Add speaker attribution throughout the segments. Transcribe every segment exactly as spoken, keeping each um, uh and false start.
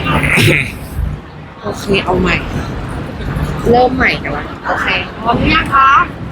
Speaker 1: โอเคเอาใหม่ เริ่มใหม่กันละโอเคพร้อมหรือยังคะ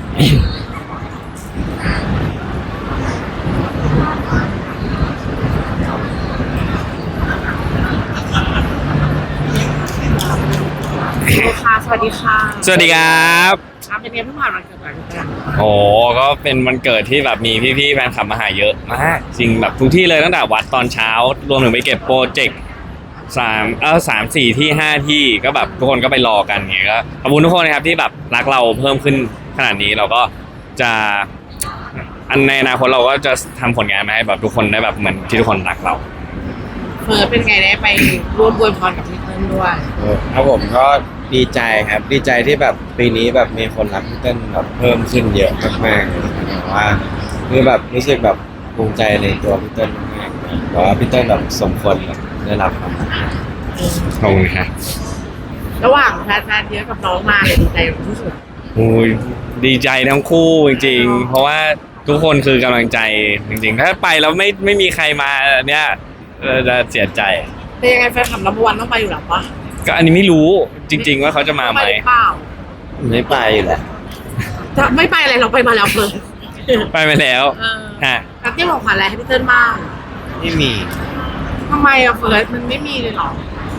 Speaker 1: ค่ะสวัสดีค่ะ
Speaker 2: สวัสดีครับ
Speaker 1: ครับเป็นไงเพิ่งผ่านวันเกิดมากัน
Speaker 2: โอ้ก็เป็นวันเกิดที่แบบมีพี่ๆแฟนคลับมาหาเยอะมากจริงแบบทุกที่เลยตั้งแต่วัดตอนเช้ารวมถึงไปเก็บโปรเจกต์สามเออสามสี่ที่ห้าที่ก็แบบทุกคนก็ไปรอกันอย่างเงี้ยก็ขอบคุณทุกคนนะครับที่แบบรักเราเพิ่มขึ้นขนาดนี้เราก็จะอันในอนาคตเราก็จะทำผลงานมาให้แบบทุกคนได้แบบเหมือนที่ทุกคนรักเรา
Speaker 1: เฟิร์สเป็นไงได้ไปร่วมอวยพรกับพี่เติ้ลด้วย
Speaker 3: ครับผมก็ดีใจครับดีใจที่แบบปีนี้แบบมีคนรักพี่เติ้ลแบบเพิ่มขึ้นเยอะมากๆเลยแบบว่าคือแบบรู้สึกแบบภูมิใจในตัวพี่เติ้ลมากๆเพราะว่าพี่เติ้ลแบบสมควรแบบได้รับความรัก
Speaker 2: ขอบคุณครับ
Speaker 1: ระหว่างแฟนๆเยอะกับน้องมาเลยดีใจที่สุด
Speaker 2: โอ้ยดีใจทั้งคู่จริงๆเพราะว่าทุกคนคือกำลังใจจริงๆถ้าไปแล้วไม่ไม่มีใครมาเนี่ยจะเสียใจ
Speaker 1: เป็นยังไงแฟนคลับนัมเบอร์วันต้องไปอยู่หรอปะ
Speaker 2: ก็อันนี้ไม่รู้จริงๆว่าเขาจะมาไหม
Speaker 3: ไม่ไปแหละ
Speaker 1: จะไม่ไปอะไรเราไปมาแล้วเฟิร์ส
Speaker 2: ไปมาแล้ว
Speaker 1: ฮะแล้วที่ของขวัญอะไรให้พี่เติ้ลบ้าง
Speaker 3: ไม่มี
Speaker 1: ทำไมอะเฟิร์สมันไม่มีเลยหรอ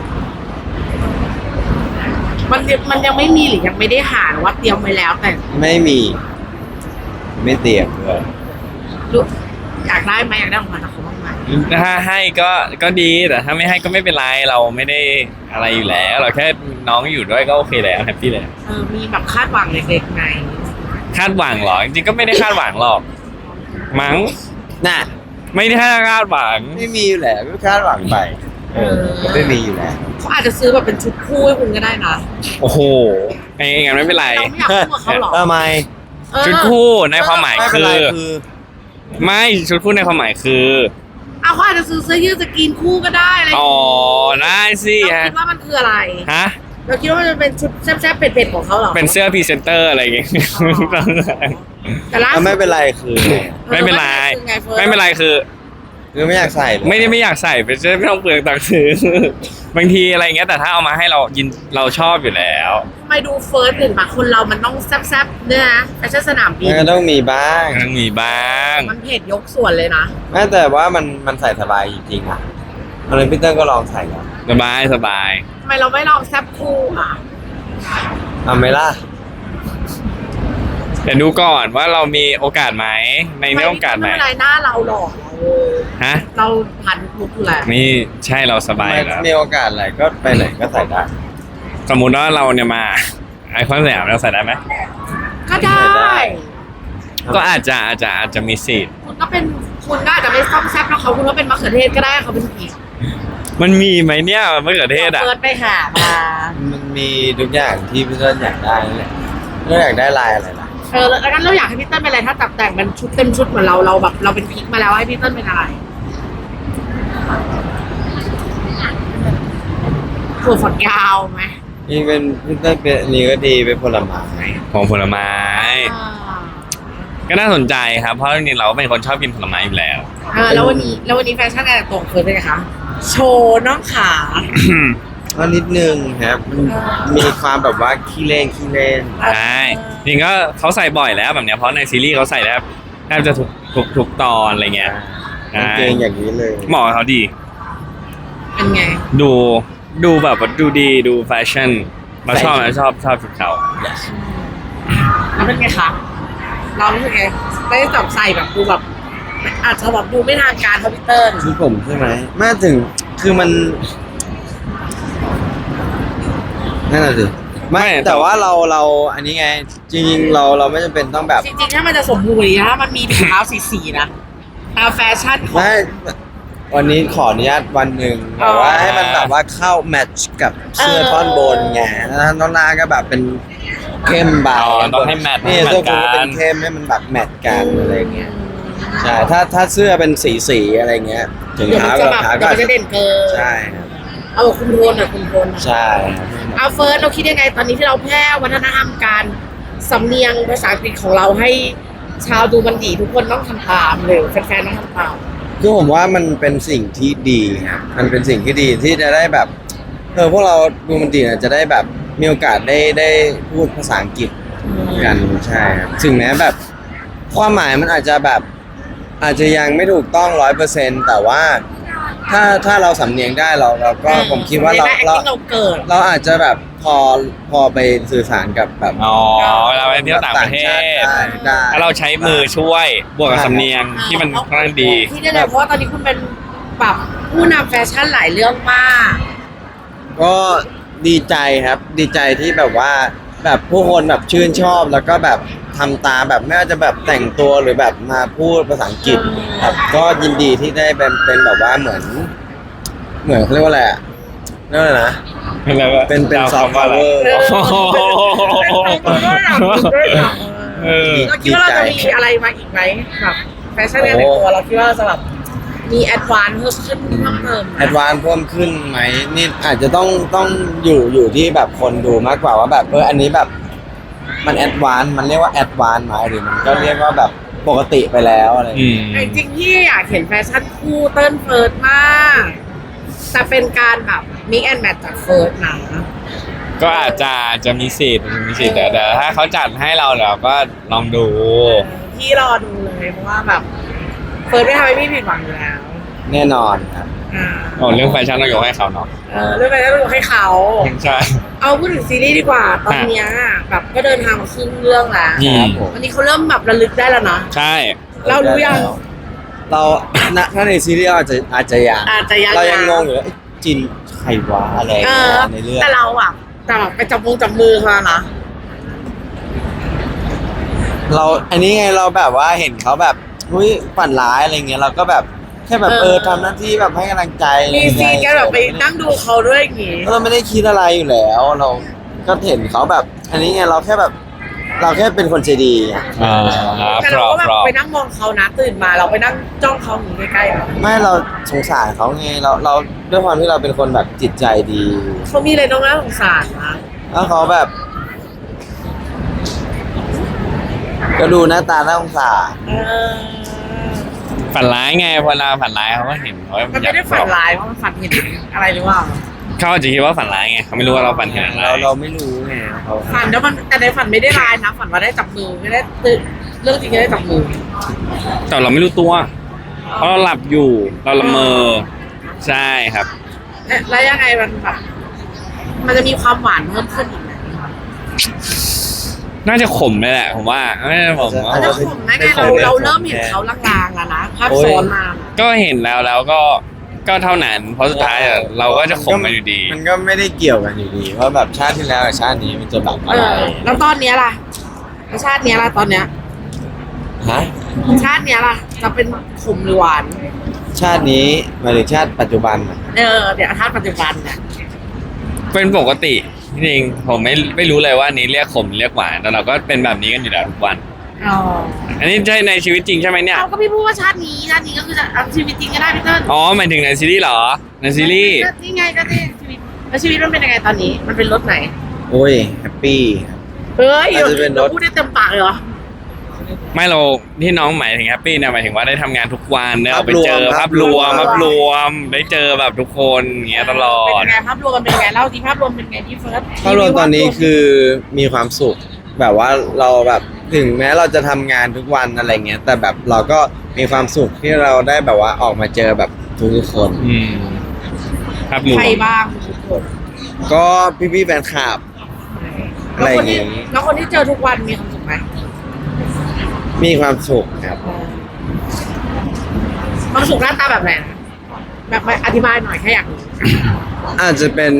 Speaker 1: มันมันยังไม่มีหรือยังไม่ได้หาหรือว่าเตรียมไว้แล้วแต่
Speaker 3: ไม่มีไม่เตรียมเลย
Speaker 1: รู้อยากได้ไหมอยากได้ของขวัญจากเขาบ้างไหม
Speaker 2: ถ้าให้ก็ก็ดีแต่ถ้าไม่ให้ก็ไม่เป็นไรเราไม่ได้อะไรอยู่แล้วเราแค่น้องอยู่ด้วยก็โอเคแล้วแฮปปี้เลย
Speaker 1: เออมีแบบคาดหวังเล็กๆไหม
Speaker 2: คาดหวังเหรอจริงๆก็ไม่ได้คาดหวังหรอกมั้ง
Speaker 3: น่ะ
Speaker 2: ไม่ได้คาดหวัง
Speaker 3: ไม่มีอยู่แล้วไม่คาดหวังไปเออก็ไม่มีอยู่แล้ว
Speaker 1: เขาอาจจะซื้อแบบเป็นชุดคู่ให้คุณก็ได้นะ
Speaker 2: โอ้โหไงงั้นไม่เป็นไร
Speaker 1: เราไม่อยากคู่กับเขาหรอ
Speaker 3: ทำไม
Speaker 2: ชุดคู่ในความหมายคือไม่ชุดคู่ในความหมายคือ
Speaker 1: เอาเขาอาจจะซื้อเสื้อยืดสกรีนคู่ก็ได้อะไร
Speaker 2: อ๋อได้สิ
Speaker 1: เราคิดว่ามันคืออะไร
Speaker 2: ฮะ
Speaker 1: เราคิดว่ามันเป็นชุดแซ่บๆเผ็ดๆของเขาหรอ
Speaker 2: เป็นเสื้อพรีเซนเตอร์อะไรอย่างเงี้ย
Speaker 1: แต่ล่า
Speaker 3: ไม่เป็นไรคือ
Speaker 2: ไม่เป็นไรไม่เป็นไรคือ
Speaker 3: คือไม่อยากใส่
Speaker 2: ไม่ได้ไม่อยากใส่ไปไม่ต้องเปลืองตังค์ซื้อบางทีอะไรเงี้ยแต่ถ้าเอามาให้เรายินเราชอบอยู่แล้ว
Speaker 1: ทำไมดูเฟิร์สเห็นปะคนเรามันต้องแซ่บๆเนี่ยนะแฟชั่นสนามบิน
Speaker 3: มันต้องมีบ้าง
Speaker 2: ต้องมีบ้าง
Speaker 1: มันเผ็ดยกส่วนเลยนะ
Speaker 3: แม้แต่ว่ามันมันใส่สบายจริงๆอ่ะอะไรพี่เติ้ลก็ลองใส่แล้ว
Speaker 2: สบายสบาย
Speaker 1: ทำไมเราไม่ลองแซ่บคู่อ่ะ
Speaker 3: ทำไหมล่ะ
Speaker 2: เดี๋ยวดูก่อนว่าเรามีโอกาสไหมในเรื่องโอกาสไหม
Speaker 1: ไม่เป็นไรหน้าเราหรอก
Speaker 2: ฮะ
Speaker 1: เราผ่านลุกอยู่แล้ว
Speaker 2: นี่ใช่เราสบายแล้ว
Speaker 3: มีโอกาสอะไรก็ไปไหนก็ใส่ได้
Speaker 2: สมมุติว่าเราเนี่ยมาไอคอนสยามเราใส่ได้ไหม
Speaker 1: ก็ได้
Speaker 2: ก็อาจจะอาจจะอาจจะมีสิทธิ์
Speaker 1: คุณก็เป็นคุณก็อาจจะไม่ซ่อมแซ่บแล้วเขาคุณก็เป็นมะเขือเทศก็ได้เขาเป็นผี
Speaker 2: มันมีไหมเนี่ยมะเขือเทศอ่ะ
Speaker 1: เปิดไปหามา
Speaker 3: มันมีทุกอย่างที่พี่เติ้ลอยากได้แหละพี่อยากได้ลายอะไรล่ะ
Speaker 1: เออแล้วงั้นเราอยากให้พี่เติ้ลเป็นอะไรถ้าตัดแต่งเป็นชุดเต็มชุดเหมือนเราเราแบบเราเป็นพิกมาแล้วให้พี่เติ้ลเป็นอะไรถั่วฝักยาวไหม
Speaker 3: นี่เป็นพี่เติ้ลเป็นนี่ก็ดีเป็นผลไม้
Speaker 2: ของผลไม้ก็น่าสนใจครับเพราะจริงๆเราเป็นคนชอบกินผลไม้อยู่แล้ว
Speaker 1: เออแล้ววันนี้แล้ววันนี้แฟชั่นอะไรตรงเฟิร์สเป็นไงคะโชว์น้องขา
Speaker 3: ก็นิดนึงครับมีความแบบว่าขี้เล่นขี้เล่น
Speaker 2: ใช่จริงก็เขาใส่บ่อยแล้วแบบเนี้ยเพราะในซีรีส์เขาใส่แล้วแทบจะทุกทุกทุกตอนอะไรเงี้ย
Speaker 3: เก่งอย่างนี้เลย
Speaker 2: เหมาะเขาดี
Speaker 1: เป็นไง
Speaker 2: ดูดูแบบดูดีดูแฟชั่นเราชอบเราชอบชอบชุดเขา
Speaker 1: แล้วเป็นไงคะเรารู้สึกไงได้จับใส่แบบดูแบบอาจจะแบบดูไม่ทางการคอมพิวเตอร์
Speaker 3: คือผมใช่ไหมแม่ถึงคือมันนั่นแหละสิไม่แต่ว่าเราเราอันนี้ไงจริงๆเราเราไม่จำเป็นต้องแบบ
Speaker 1: จริงๆถ้ามันจะสมบูรณ์ถ้ามันมีถุงเท้าสีๆนะตามแฟชั่น
Speaker 3: ไม่วันนี้ขออนุญาตวันหนึ่งแบบว่าให้มันแบบว่าเข้าแมทช์กับเสื้อท่อนบนไงแล้วท่อนล่างก็แบบเป็นเข้มเบา
Speaker 2: ต้องให้แมท
Speaker 3: นี่เสื้อคุณก็เป็นเข้มให้มันแบบแมทกันอะไรเงี้ยใช่ถ้าถ้าเสื้อเป็นสีสีอะไรเงี้ย
Speaker 1: ถึงเท้ากับเท้าก็จะเด่นเกิน
Speaker 3: ใช่
Speaker 1: เอาคุณโทนอ่ะคุณโทน
Speaker 3: ใช่
Speaker 1: เอาเฟิร์สเราคิดยังไงตอนนี้ที่เราแพร่วัฒนธรรมการสำเนียงภาษาอังกฤษของเราให้ชาวดูมันดีทุกคนต้องทำตามเลยแฟนๆต้องทำตาม
Speaker 3: คือผมว่ามันเป็นสิ่งที่ดีครับมันเป็นสิ่งที่ดีที่จะได้แบบเออพวกเราดูมันดีเนี่ยจะได้แบบมีโอกาสได้ได้พูดภาษาอังกฤษกันใช่ครับถึงแม้แบบความหมายมันอาจจะแบบอาจจะยังไม่ถูกต้องร้อยเปอร์เซ็นต์แต่ว่าถ้าถ้าเราสำเนียงได้เราเราก็ผมคิดว่าเรา
Speaker 1: ใน
Speaker 3: เรา
Speaker 1: acting เราเกิด
Speaker 3: เราอาจจะแบบพอพอไปสื่อสารกับแบบ
Speaker 2: อ๋อเวลาไปเที่ยวต่างประเทศ
Speaker 3: ได้ได้
Speaker 2: ถ้าเราใช้มือช่วยบวกกับสำเนียงที่มันค่อนข้างดี
Speaker 1: ที่ได้เลยเพราะว่าตอนนี้คุณเป็นแบบผู้นำแฟชั่นหลายเรื่องมาก
Speaker 3: ก็ดีใจครับ ดีใจที่แบบว่าแบบผู้คนแบบชื่นชอบแล้วก็แบบทำตามแบบไม่ว่าจะแบบแต่งตัวหรือแบบมาพูดภาษาอังกฤษครับก็ยินดีที่ได้เป็นเป็นแบบว่าเหมือน เหมือนเขาเรียกว่าอะไรอะเรียกว่าอะไรนะ เป็นเป็น soft power
Speaker 1: เออ
Speaker 2: เออ
Speaker 1: เราคิดว่าเราจะมีอะไรมาอีกไหมแบบแฟชั่นในตัวเราคิดว่าเราจะแบบมีแอดวานซ์เพิ่มขึ้นเพิ่มเติม
Speaker 3: แอดวานซ์เพิ่มขึ้นไหมนี่อาจจะต้องต้องอยู่อยู่ที่แบบคนดูมากกว่าว่าแบบเอออันนี้แบบมันแอดวานซ์มันเรียกว่าแอดวานซ์ไหมหรือมันก็เรียกว่าแบบปกติไปแล้วอะไรอย่าง
Speaker 2: อื
Speaker 3: เงี้ย
Speaker 2: ม
Speaker 1: จริงๆที่อยากเห็นแฟชั่นคู่เติ้ลเฟิร์สมากแต่เป็นการแบบมิกแอนแมทจากเฟิร์สนะ
Speaker 2: ก็อาจจะจะมีสิทธิ์มีสิทธิ์แต่แต่ถ้าเขาจัดให้เราเราก็ลองดู
Speaker 1: พี่รอดูเลยเพราะว่าแบบเฟิร์สไม่ทำให้พี่ผิดหวังอยู่แล้ว
Speaker 3: แน่นอนครับ
Speaker 1: อ่า
Speaker 2: โอ้เรื่องแฟชั่นต้องยกให้เขาเนาะ
Speaker 1: เออเรื่องไปแล้วต้องให้เขา
Speaker 2: ใช่
Speaker 1: เอาพูดถึงซีรีส์ดีกว่า ตอนเนี้ยแบบก็เดินทางมาครึ่งเรื่องแล้ว
Speaker 2: อืม
Speaker 3: ครับผม
Speaker 1: วันนี้เขาเริ่มแบบระลึกได้แล้วนะ
Speaker 2: ใช่
Speaker 1: เรารู้ยัง
Speaker 3: เราณถ้าในซีรีส์อาจจะอาจจะยัง
Speaker 1: อาจจะยัง
Speaker 3: เรายังงงอยู่เลยเอ๊ะจินใครวะอะไร
Speaker 1: เออ
Speaker 3: ในเรื่อง
Speaker 1: แต่เราอะแต่แบบไปจับมือจับมือเขานะ
Speaker 3: เราอันนี้ไงเราแบบว่าเห็นเขาแบบอุ้ยฝันร้ายอะไรเงี้ยเราก็แบบแค่แบบเออทำหน้าที่แบบให้กำลังใจ
Speaker 1: มีซีนแกแบบไปนั่งดูเขาด้วยอย่างงี้
Speaker 3: เราไม่ได้คิดอะไรอยู่แล้ว เราก็เห็นเขาแบบ อันนี้ไงเราแค่แบบ เราแค่เป็นคนใจดีไง
Speaker 2: อ่า
Speaker 1: แต่
Speaker 2: พร
Speaker 1: เรา
Speaker 2: อ
Speaker 1: ก็แบบ
Speaker 2: พรอ
Speaker 1: ไปนั่งมองเขานะตื่นมาเราไปนั่งจ้องเขาอย่างงี้ใกล้ๆแบบ
Speaker 3: ไม่เราสงสารเขาไงเราเราด้วยความที่เราเป็นคนแบบจิตใจดี
Speaker 1: เขามีอะไรน้องน่าสงสารนะ
Speaker 3: แล้วเขาแบบ ก็ดูหน้าตาน่าสงสาร
Speaker 1: เออ
Speaker 2: ฝันร้ายไงเวลาฝันร้ายเขาก็เห็นว่า
Speaker 1: มันไม่ได้ฝันร้ายเพราะมันฝันเห็นอะไรหรือเปล่า
Speaker 2: เขาอาจจะคิดว่าฝันร้ายไงเขาไม่รู้ว่าเราฝันเห็นอะไร
Speaker 3: เราเราไม่รู้ไงเขา
Speaker 1: ฝันแล้วมันแต่ในฝันไม่ได้ร้ายนะฝันว่าได้จับมือไม่ได้ตื่นเรื่องจริงก็ได้จับมือ
Speaker 2: แต่เราไม่รู้ตัวเพราะเราหลับอยู่เราละเมอใช่ครับ
Speaker 1: เอ๊ะแล้วยังไงมันแบบมันจะมีความหวานเพิ่มขึ้นอีกไหม
Speaker 2: น่าจะขมเลยแหละผมว่าไม่ใช่ผมว่า
Speaker 1: แล้วผมนะไงเราเราเริ่มเห็นเขาลางๆแล้วนะภาพซ้อนมา
Speaker 2: ก็เห็นแล้วแล้วก็ก็เท่านั้นเพราะสุดท้ายอะเราก็จะขมกันอยู่ดี
Speaker 3: มันก็ไม่ได้เกี่ยวกันอยู่ดีว่าแบบชาติที่แล้วกับชาตินี้มันจะแบบ
Speaker 1: เอ
Speaker 3: อะไร
Speaker 1: อแล้วตอนเนี้ยล่ะแล้วชาติเนี้ยล่ะตอนเนี้ย
Speaker 3: ฮะ
Speaker 1: ชาติเนี้ยล่ะจะเป็นขมหรือหวาน
Speaker 3: ชาตินี้หมายถึงชาติปัจจุบันอะ
Speaker 1: เออเดี๋ยวชาติปัจจุบันเนี่ย
Speaker 2: เป็นปกติจริงๆผมไม่ไม่รู้เลยว่าอันนี้เรียกขมเรียกหวานแต่เราก็เป็นแบบนี้กันอยู่แล้วทุกวัน
Speaker 1: อ๋อ
Speaker 2: อันนี้ใช่ในชีวิตจริงใช่ไหมเนี่ย
Speaker 1: เราก็พี่พูดว่าชาตินี้ชาตินี้ก็คือจะเอาชีวิตจริงก็ได้พี่เติ้ล
Speaker 2: อ๋อหมายถึงในซีรีส์เหรอในซีรีส์
Speaker 1: นี่ไงก็นี่ชีวิตแล้วชีวิตมันเป็นยังไงตอนนี้ มันเป็นรถไหน
Speaker 3: โอ้ยแฮปปี้
Speaker 1: เฮ้ย
Speaker 3: อาจจะเป็นรถ
Speaker 1: ราพูดได้เต็มปากเลยเหรอ
Speaker 2: ไม่เราที่น้องหมายถึงแฮปปี้เนี่ยหมายถึงว่าได้ทำงานทุกวันได้ออกไปเจอ
Speaker 3: ภา
Speaker 2: ภา
Speaker 3: พ
Speaker 2: พ
Speaker 3: ร
Speaker 2: ร
Speaker 3: ว
Speaker 2: ว
Speaker 3: ม
Speaker 2: มภาพรวมได้เจอแบบทุกคนอย่างเงี้ยตลอ
Speaker 1: เป็น
Speaker 2: ด
Speaker 1: ยังไงภาพรวมมันเป็นยังไงเล่าที่ภาพรวมเป็นยังไงที่เฟิร์ส
Speaker 3: ภาพรวมตอนนี้คือมีความสุข แบบว่าเราแบบถึงแม้เราจะทำงานทุกวันอะไรเงี้ย แต่แบบเราก็มีความสุขที่เราได้แบบว่าออกมาเจอแบบทุกๆคน
Speaker 2: อืมภาพรวม
Speaker 1: ใครบ้างทุกคน
Speaker 3: ก็พี่ๆแฟนคลับ อะไรอย่างงี้
Speaker 1: แล้วคนที่เจอทุกวันมีความสุขไหม
Speaker 3: มีความสุขครับ
Speaker 1: ความสุขหน้าตาแบบไหนนะแบบอธิบายหน่อยแค่อยากรู้
Speaker 3: อาจจะเป็น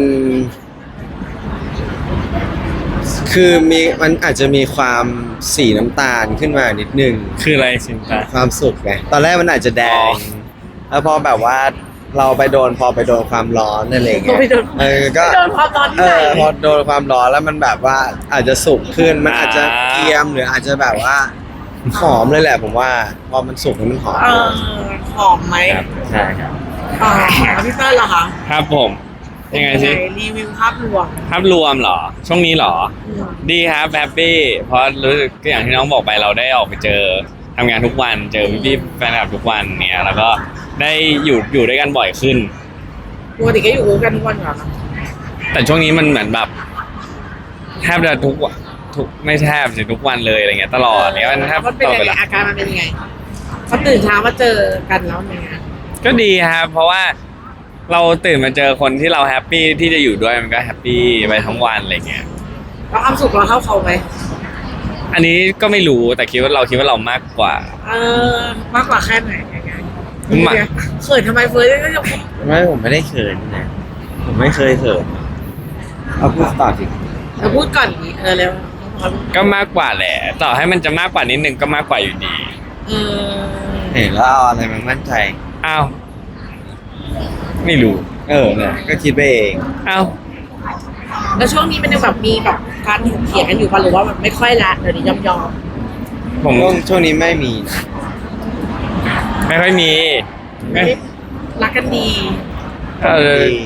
Speaker 3: คือมีมันอาจจะมีความสีน้ำตาลขึ้นมานิดนึง
Speaker 2: คืออะไรสินตา
Speaker 3: ความสุขไงตอนแรกมันอาจจะแด
Speaker 2: อ๋
Speaker 3: ง
Speaker 2: อ
Speaker 3: แล้วพอแบบว่าเราไปโดนพอไปโดนความร้อนอะไรเงี้ย
Speaker 1: ไปโดน
Speaker 3: เออก็
Speaker 1: ไปโดนความร้อนที่
Speaker 3: เอ
Speaker 1: ไหน
Speaker 3: อพอโดนความร้อนแล้วมันแบบว่าอาจจะสุกขึ้นมันอาจจะเกรียมหรืออาจจะแบบว่าหอมเลยแหละผมว่าพอมันสุกแล้วมันหอม
Speaker 1: เออหอมไหม
Speaker 3: ครับใช่ครับ
Speaker 1: อ๋อแล้วพี่เติ้ลล่ะคะ
Speaker 2: ครับผมยังไงสิ
Speaker 1: รีวิวภาพรวม
Speaker 2: ภาพรวมเหรอ ช่วงนี้เหรอ
Speaker 1: อืม
Speaker 2: ดีครับแฮปปี้เพราะรู้สึกก็อย่างที่น้องบอกไปเราได้ออกไปเจอทำงานทุกวันเจอพี่ๆแฟนคลับทุกวันเนี่ยแล้วก็ได้อยู่อยู่ด้วยกันบ่อยขึ้น
Speaker 1: ปกติก็อยู่กันทุกวันอยู่แล้วนะ
Speaker 2: แต่ช่วงนี้มันเหมือนแบบแทบจะทุกวันทุกไม่แทบสิทุกวันเลยอะไรเงี้ยตลอดเนี้ยมันแทบ
Speaker 1: มันเป็น
Speaker 2: ตลอด
Speaker 1: ยัง
Speaker 2: เว
Speaker 1: ไง
Speaker 2: ลา
Speaker 1: อาการมันเป็นยังไงพอตื่นเช้ามาเจอกันแล้วเป็นไง
Speaker 2: ก็ดีครับเพราะว่าเราตื่นมาเจอคนที่เราแฮปปี้ที่จะอยู่ด้วยมันก็แฮปปี้ไปทั้งวันอะไรเงี้ย
Speaker 1: เราความสุขเราเท่าเขาไหม
Speaker 2: อันนี้ก็ไม่รู้แต่คิดว่าเราคิดว่าเรามากกว่า
Speaker 1: เออมากกว่าแค่ไหนยังไง
Speaker 2: มา
Speaker 1: เขินทำไมเฟิร์สก็ยัง
Speaker 3: ไม่ผมไม่ได้เขินนะผมไม่เคยเขินเอาพูดต่อสิ
Speaker 1: เราพูดก่อนดิเออเร็ว
Speaker 2: ก็มากกว่าแหละต่อให้มันจะมากกว่านิดนึงก็มากกว่าอยู่ดี
Speaker 1: เออ
Speaker 3: เห็นแล้วเอาอะไรมามั่นใจ
Speaker 2: อ้าวไม่รู้
Speaker 3: เออเนี่ยก็คิดไปเอง
Speaker 2: อ้าว
Speaker 1: แล้วช่วงนี้มันยังแบบมีแบบการถกเถียงกันอยู่ป่ะหรือว่ามันไม่ค่อยละเดี๋ยวนี้ยอมยอม
Speaker 2: ผม
Speaker 3: ช่วงช่วงนี้ไม่มีนะ
Speaker 2: ไม่ค่อยมี
Speaker 1: ไม่ได้รักกันดี
Speaker 2: เออ
Speaker 3: ดี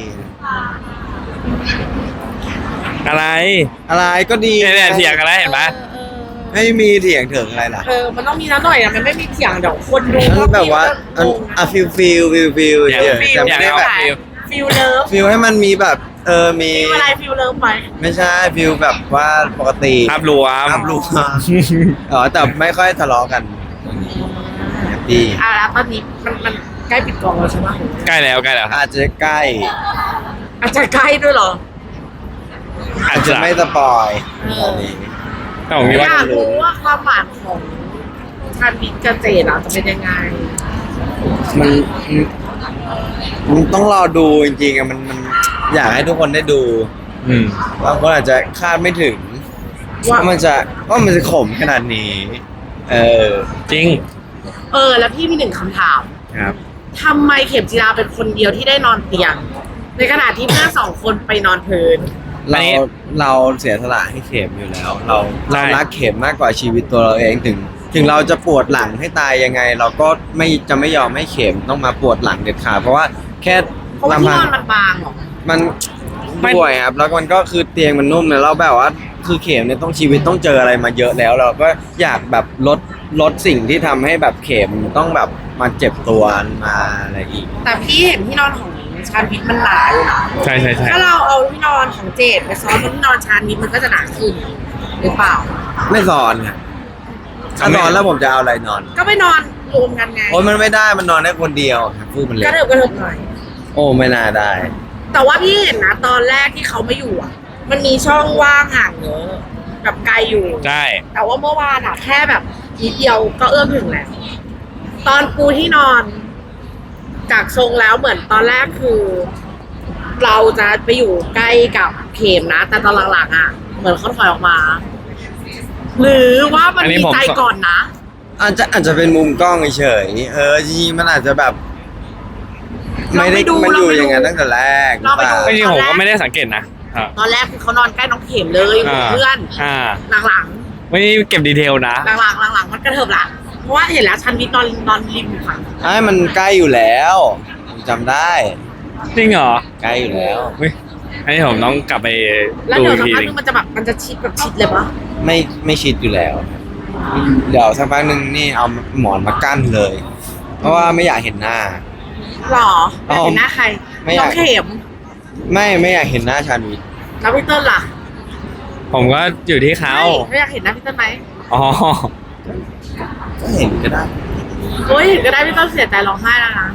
Speaker 2: อะไร
Speaker 3: อะไรก็ดี
Speaker 2: เนี่ยเนี่ยเถียงกันแล้วเห็นปะ
Speaker 1: เออ
Speaker 3: ไม่มีเถียงถึงอะไรล่ะ
Speaker 1: เออมันต้องมีน้ำหน่อยอะมันไม่มีเถียงเดี๋ยวคนดู
Speaker 3: มันแบบว่าอันอ่ะฟิลฟิลฟิลฟิล
Speaker 2: อยาก
Speaker 3: เดี๋ยว
Speaker 1: ฟิล
Speaker 3: แต่
Speaker 2: อ
Speaker 3: ไม่
Speaker 2: ยาก
Speaker 3: ได้
Speaker 2: เอา
Speaker 3: แบบ
Speaker 2: ฟิล
Speaker 1: ฟิลเลิฟ
Speaker 3: ฟิลให้มันมีแบบ เออมี
Speaker 1: ฟิลอะไรฟิลเลิฟไหม
Speaker 3: ไม่ใช่ฟิลแบบว่าปกติ
Speaker 2: ภาพรวม
Speaker 3: ภาพรวมอ๋อแต่ไม่ค่อยทะเลาะกันแฮปปี้
Speaker 1: อ่ะแล้วตอนนี้มันมันใกล้ปิดกองแล้วใช่ไหม
Speaker 2: ใกล้แล้วใกล้แล้วครับ
Speaker 3: อาจจะใกล้
Speaker 1: อาจจะใกล้ด้วยเหรอ
Speaker 2: อา
Speaker 3: อา
Speaker 2: จ
Speaker 3: จ
Speaker 2: จะ
Speaker 3: จะไม่สปอย
Speaker 1: เออ
Speaker 3: ตอนนี้
Speaker 2: แต่ผมคิด
Speaker 1: อ
Speaker 2: ว่า
Speaker 1: ยากรู้ว่าความหวานของชาญวิทย์กับเจดอะจะเป็นยังไง
Speaker 3: มันมันต้องรอดูจริงๆอะมันมันอยากให้ทุกคนได้ดู
Speaker 2: อืม
Speaker 3: บางคนอาจจะคาดไม่ถึง
Speaker 1: ว่า
Speaker 3: ว่ามันจะว่ามันจะขมขนาดนี้ เออ
Speaker 2: จริง
Speaker 1: เออ แล้วพี่มีหนึ่งคำถาม
Speaker 3: ครับ
Speaker 1: ทำไมเข็มจีราเป็นคนเดียวที่ได้นอนเตียง ในขณะที่เพื่อนสองคนไปนอนพื้น
Speaker 2: อัน
Speaker 3: เรา
Speaker 2: นี้
Speaker 3: เราเสียสละให้เข็มอยู่แล้ว เรา
Speaker 2: ใช่
Speaker 3: เรารักเข็มมากกว่าชีวิตตัวเราเองถึง ถึงเราจะปวดหลังให้ตายยังไง เราก็ไม่จะไม่ยอมให้เข็มต้องมาปวดหลังเด็ดขาดเพราะว่าแค่
Speaker 1: เพราะว่าที่นอนมันบางเหรอ
Speaker 3: มัน
Speaker 2: ไม่
Speaker 3: ด้วยครับแล้วมันก็คือเตียงมันนุ่มเนี่ยเราแบบว่าคือเข็มเนี่ยต้องชีวิตต้องเจออะไรมาเยอะแล้ว เราก็อยากแบบลดลดสิ่งที่ทำให้แบบเข็มต้องแบบมาเจ็บตัวมาอะไรอีก
Speaker 1: แต่พี่เห็นที่นอนของชาญวิทย์มันหนาอยู่นะ
Speaker 2: ใช่ใช่ใช่
Speaker 1: ถ้าเราเอาที่นอนของเจดไปซ้อนบนที่นอนชาญวิทย์มันก็จะหนาขึ้นหรือเปล่า
Speaker 3: ไม่สอนครับถ้านอนแล้วผมจะเอาอะไรนอน
Speaker 1: ก็ไปนอนรวมกันไง
Speaker 3: โอ้ยมันไม่ได้มันนอนได้คนเดียวครับฟูกมันเล็
Speaker 1: ก
Speaker 3: ก
Speaker 1: ระเถิบกระเถิบหน่อย
Speaker 3: โอ้ไม่น่าได้
Speaker 1: แต่ว่าพี่เห็นนะตอนแรกที่เขาไม่อยู่อ่ะ มันมีช่องว่างห่างเยอะแบบไกลอยู่
Speaker 2: ใช่
Speaker 1: แต่ว่าเมื่อวานอ่ะแค่แบบนิดเดียวก็เอื้อมถึงแล้ว ตอนปูที่นอนจากทรงแล้วเหมือนตอนแรกคือ เราจะไปอยู่ใกล้กับเข็มนะ แต่ตอนหลังๆอ่ะ เหมือนเขาถอยออกมา หรือว่ามัน
Speaker 2: อันนี้
Speaker 1: มี
Speaker 2: ผม
Speaker 1: ใจก่อนนะ
Speaker 3: อาจจะอาจจะเป็นมุมกล้องเฉยๆเออจริงๆมันอาจจะแบบ ไม่ได้
Speaker 1: ลองไปดู
Speaker 3: มันอยู่
Speaker 1: ลองไปดู
Speaker 3: อย่างนั้นตั้งแต่แรก
Speaker 1: ลองไปดู
Speaker 2: จริงๆผมก็ไม่ได้สังเกตนะอ่า
Speaker 1: ตอนแรกคือเขานอนใกล้น้องเข็มเลยอยู่กับเพื่อน
Speaker 2: อ่า
Speaker 1: หลัง
Speaker 2: ไม่ได้เก็บดีเทลนะ
Speaker 1: ๆหลังๆหลังๆมันกระเถิบละเพราะว่าเห็นแล้วชันวิทย์นอนนอนริมอยู่ค่ะ
Speaker 3: ไอ้มันใกล้อยู่แล้วผมจำได้
Speaker 2: จริงเหรอ
Speaker 3: ใกล้อยู่แล้ว
Speaker 2: เฮ้ยอันนี้ผมต้องกลับไป
Speaker 1: แล้ว
Speaker 2: ดู
Speaker 1: เดี๋ยว
Speaker 2: อีก
Speaker 1: สัก
Speaker 2: ที
Speaker 1: พัก
Speaker 2: หนึง
Speaker 1: นึงมันจะแบบมันจะชิดแบบชิดเลยปะ
Speaker 3: ไม่ไม่ชิดอยู่แล้ว เดี๋ยวสักพักหนึ่งนี่เอาหมอนมากั้นเลย เพราะว่าไม่อยากเห็นหน้า
Speaker 1: หรอ
Speaker 3: อ๋อ
Speaker 1: เห็นหน้าใคร
Speaker 3: ไม่อยาก
Speaker 1: น้องเข็ม
Speaker 3: ไม่ไม่อยากเห็นหน้าชาญวิทย์
Speaker 1: แล้วพี่เติ้ลล่ะ
Speaker 2: ผมก็อยู่ที่เขา
Speaker 1: ไม่อยากเห็นหน้าพี่เติ้ลไหม
Speaker 2: อ๋อ
Speaker 3: ก็เห็นก็ได้
Speaker 1: โอ้ยเห็นก็ได้พี่เติ้ลเสียใจร้องไห้แล้วนะ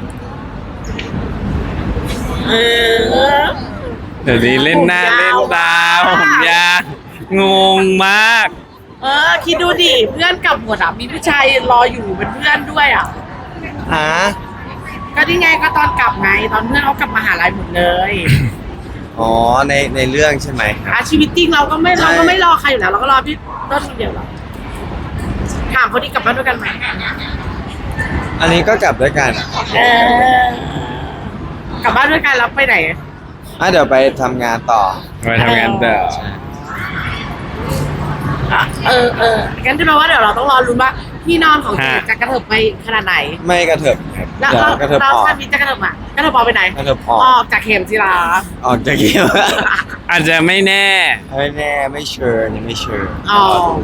Speaker 1: เออ
Speaker 2: เดี๋ยวนี้เล่นหน้า
Speaker 1: ผมยาว
Speaker 2: เล่นตาผมยาวงงมาก
Speaker 1: เออคิดดูดิเพื่อนกลับหมดอ่ะมีผู้ชายรออยู่เป็นเพื่อนด้วยอ่ะ
Speaker 3: ฮะ
Speaker 1: ก็นี่ไงก็ตอนกลับไงตอนเพื่อนเขากลับมาหาลัยหมดเลย
Speaker 3: อ๋อในในเรื่องใช่ไหมครับ
Speaker 1: อาชีวิตจริงเราก็ไม่
Speaker 3: ใช่
Speaker 1: เราก็ไม่รอใครอยู่แล้วเราก็รอพี่เติ้ลคนเดียวหรอกถามเขาดีกลับบ้านด้วยกันไหม
Speaker 3: อันนี้ก็กลับด้วยกัน
Speaker 1: เออกลับบ้านด้วยกันแล้วไปไหน
Speaker 3: อ่ะเดี๋ยวไปทำงานต่อ
Speaker 2: ไปทำงานต่อ
Speaker 3: ใช่
Speaker 1: อ่ะเออเอองั้นจะแปลว่าเดี๋ยวเราต้องรอรุ้นว่าที่นอนของเจจะกระเถิบไปขนาดไหน
Speaker 3: ไม่กระเถิบครับ
Speaker 1: แล้ว
Speaker 3: เดี๋ยว
Speaker 1: เรา
Speaker 3: กระเถิบ
Speaker 1: เรา
Speaker 3: ออก
Speaker 1: ชาติจะกระเถิบอ่ะกระเถิบออกไปไหน
Speaker 3: กระเถิบออก
Speaker 1: ออกจากเข็มจีรา
Speaker 3: ออกจากเกม
Speaker 2: อาจจะไม่แน่
Speaker 3: ไม่แน่ไม่เชิญไม่เชิญ
Speaker 1: อ๋อ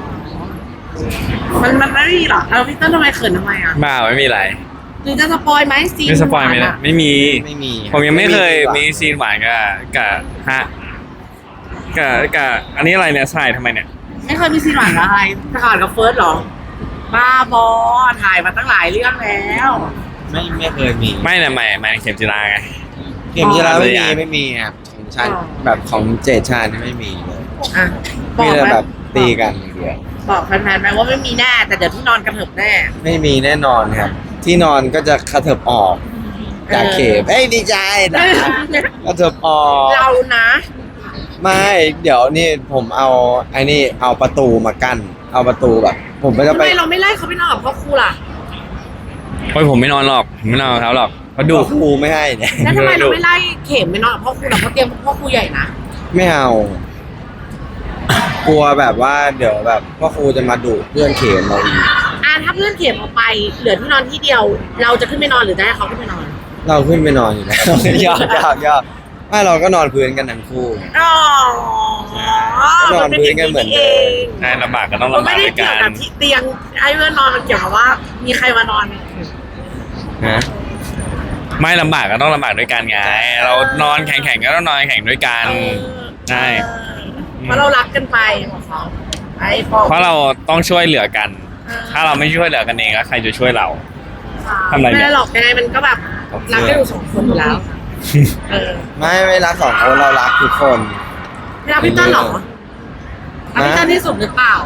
Speaker 1: มันมันไม่มีหรอแล้วพี่เติ้ลทำไมเขินทำไมอ่ะ
Speaker 2: บ้าไม่มีอะไร
Speaker 1: หรือจะสปอยไหมซีน
Speaker 2: ไม่สปอยไหม
Speaker 1: หวา
Speaker 2: นะ
Speaker 1: อะ
Speaker 2: ไม่มี
Speaker 3: ไม่มี
Speaker 2: ผมยังไม่เคย
Speaker 3: ดีกว่า
Speaker 2: มีซีนหวานกับกับฮะกับกับอันนี้อะไรเนี่ยใส่ทำไมเนี่ย
Speaker 1: ไม่เคยมีซีนหวานกับอะไรถ่ายกับเฟิร์สเหรอ บ้าบอถ่ายมาตั้งหลายเรื่องแล้ว
Speaker 3: ไม่ไม่เคยมี
Speaker 2: ไม่เนี่ยใหม่ใหม่เข็มจีราไง
Speaker 3: เกมที่แล้วไม่
Speaker 2: อ๋อ
Speaker 3: มีไม่มีครับของชาติแบบของเจดชาตินี่ไม่มีเลย
Speaker 1: อ่ะบ
Speaker 3: มี
Speaker 1: อก
Speaker 3: แต่
Speaker 1: ไหม
Speaker 3: แบบตีกันอย่างเดียว
Speaker 1: บอกแฟนๆไหมว่าไม่มีแน่ แต่เดี๋ยวที่นอนกระเถิบแน่
Speaker 3: ไม่มีแน่นอนครับ ที่นอนก็จะกระเถิบออกจากเขมเอ้ยดีใจนะกระเถิบออก
Speaker 1: เรานะ
Speaker 3: ไม่เดี๋ยวนี่ผมเอาไอ้นี่เอาประตูมากั้นเอาประตูแบบ ผมก็จะ
Speaker 1: ทำ
Speaker 3: ไป
Speaker 1: ไมเราไม่ไล่เขาไปนอนกับพ่อครูล่ะ
Speaker 2: โอ้ยผมไม่นอนหรอกผมไม่นอนกับเขาหรอกเขาะดู
Speaker 3: ครูไม่ให้เนี่ย
Speaker 1: แล้วทำไม
Speaker 2: ดู
Speaker 1: เราไม่ไล่เข็มไปนอนกับพ่อครูล่ะเพราะเตียงพ่อครูใหญ่นะ
Speaker 3: ไม่เอา กลัวแบบว่าเดี๋ยวแบบพ่อครูจะมาดุเพื่อนเขมเราอีก
Speaker 1: อ่ะถ้าเพื่อนเข็มออกไปเหลือที่นอนที่เดียว เราจะขึ้นไปนอนหรือจะให้เขาขึ้นไปนอน
Speaker 3: เราขึ้นไปนอนอยู่แล้ว ยอดยอดยอดไม่เราก็นอนพื้นกันทั้งคู่ไง
Speaker 1: อ๋อ
Speaker 3: ก็นอนพื้นกันเหมือนเดิม
Speaker 2: ใช่ลำบากก็ต้อง
Speaker 1: มัน
Speaker 2: ลำ
Speaker 1: ไม่
Speaker 2: บาก
Speaker 1: ได้
Speaker 2: ด้วย
Speaker 1: เกี่
Speaker 2: กั
Speaker 1: ยวน กับที่เตียงให้เพื่อนนอนมันเกี่ยวกับว่า มีใครมานอน
Speaker 3: ฮะ
Speaker 2: ไม่ลำบากก็ต้องลำบากด้วยกันไง เรานอนแข่งๆก็ต้องนอนแข่งด้วยกัน ใช่
Speaker 1: เออเพราะเรารักกันไปของเขาไอ้ปอ
Speaker 2: เพราะเราต้องช่วยเหลือกัน ถ้าเราไม่ช่วยเหลือกันเองแล้วใครจะช่วยเรา ทำอะไรเนี่ย
Speaker 1: ไม่ได้หรอกยังไงมันก็แบบรักกันอยู่สองคนอยู่แล้ว เออ
Speaker 3: ไม่ไม่รักสองคนเรารักทุกคน
Speaker 1: ไม่รักพี่เต้นหรอรักพี่เต้นที่สุดหรือเปล่า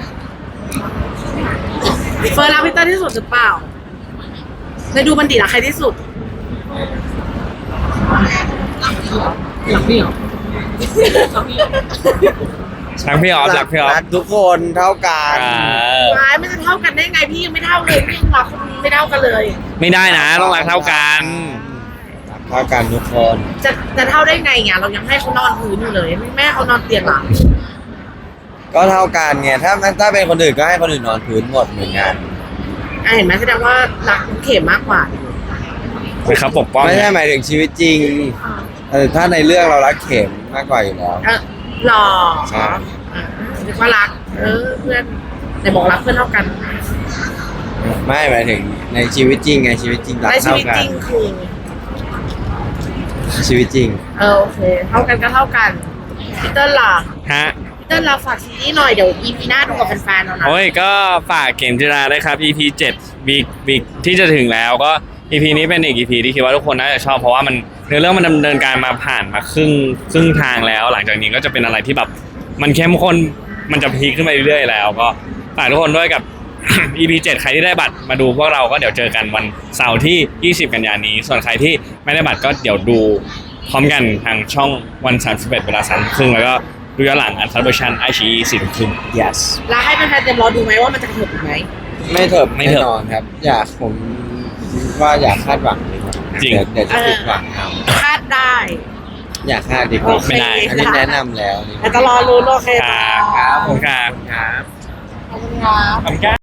Speaker 1: เฟิร์นรักพี่เต้นที่สุดหรือเปล่าในดูบันดีรักใครที่สุดรักพี่เหรอรักพี่เหรอ
Speaker 2: ทั้งพี่ออฟรักพี่ออฟ
Speaker 3: รักทุกคนเท่ากัน
Speaker 2: อ่า
Speaker 1: ร้ายมันจะเท่ากันได้ไงพี่ยังไม่เท่าเลยพี่ยังรักคนไม่เท่ากันเลย
Speaker 2: ไม่ได้นะต้องรักเท่ากัน
Speaker 3: รักเท่ากันทุกคน
Speaker 1: จะจะเท่าได้ไงเนี่ยเรายังให้เขานอนพื้นอยู่เลยแม่เขานอนเตียงหลัง
Speaker 3: ก็เท่ากันไงถ้าถ้าเป็นคนอื่นก็ให้คนอื่นนอนพื้นหมดเหมือนกัน
Speaker 1: อ่ะเห็นไหมแสดงว่ารักเข็มมากกว่า
Speaker 2: เป็นเขาปกป้อง
Speaker 3: ไม่ใช่หมายถึงชีวิตจริงเออถ้าในเรื่องเรารักเข็มมากกว่าอยู่แล้ว
Speaker 1: เออหล่อ
Speaker 3: ใช่
Speaker 1: อ่ะนึกว่ารัก เออเพื่อนไหนบอกรักเพื่อนเท่ากัน
Speaker 3: ไม่หมายถึงในชีวิตจริงไงชีวิตจริงรัก
Speaker 1: ในชี
Speaker 3: เท่า
Speaker 1: วิต
Speaker 3: กั
Speaker 1: จ
Speaker 3: น
Speaker 1: ริงคือ
Speaker 3: ชีวิตจริง
Speaker 1: เออโอเค เท่ากันก็เท่ากันพี่เติ้ลล่ะ
Speaker 2: ฮะ
Speaker 1: พี่เติ้ลเราฝากซีรีส์หน่อยเดี๋ยว อี พี หน้าดูกับแฟนๆเรานะ
Speaker 2: โอ้ยก็ฝากเข็มจิราด้วยครับ อี พี เจ็ดวีควีคที่จะถึงแล้วก็ อี พี นี้เป็นอีก อี พี ที่คิดว่าทุกคนน่าจะชอบเพราะว่ามันเนื้อเรื่องมันดำเนินการมาผ่านมาครึ่งครึ่งทางแล้ว หลังจากนี้ก็จะเป็นอะไรที่แบบมันเข้มข้นมันจะพีคขึ้นไปเรื่อยๆแล้ว ก็ฝากทุกคนด้วยกับ อี พี เจ็ดใครที่ได้บัตรมาดูพวกเราก็เดี๋ยวเจอกันวันเสาร์ที่ ยี่สิบ กันยายนนี้ ส่วนใครที่ไม่ได้บัตรก็เดี๋ยวดูพร้อมกันทางช่องวันสามสิบเอ็ดเวลาสามครึ่งแล้วก็ดูย้อนหลังอันคับเวอร์ชันไอชีสี่ทุ่มครึ่ง
Speaker 3: yes
Speaker 1: แล้วให้แฟนๆเต็มรอดูไหมว่ามันจะกระเถิบอีกไหม
Speaker 3: ไม่เถิบ
Speaker 2: ไม่
Speaker 3: แน่
Speaker 2: เถิบ
Speaker 3: นอนครับ อยากผมว่าอยากคาดหวังเลยครับ
Speaker 2: จริง
Speaker 3: เดี๋ยวเดี๋ยวจะผิดหวังเอา
Speaker 1: คาดได้
Speaker 3: อยากคาดดีกว่า
Speaker 1: โอเค
Speaker 2: ไม่ได้
Speaker 3: อันนี้แนะนำแล้วนี่
Speaker 1: แต่จะรอรู้นโอเค
Speaker 2: ค
Speaker 1: ค
Speaker 2: รั
Speaker 1: รั
Speaker 2: บบ ครับผมครับ
Speaker 3: ครับ
Speaker 1: ขอบคุณครับ
Speaker 2: ขอบคุณครับ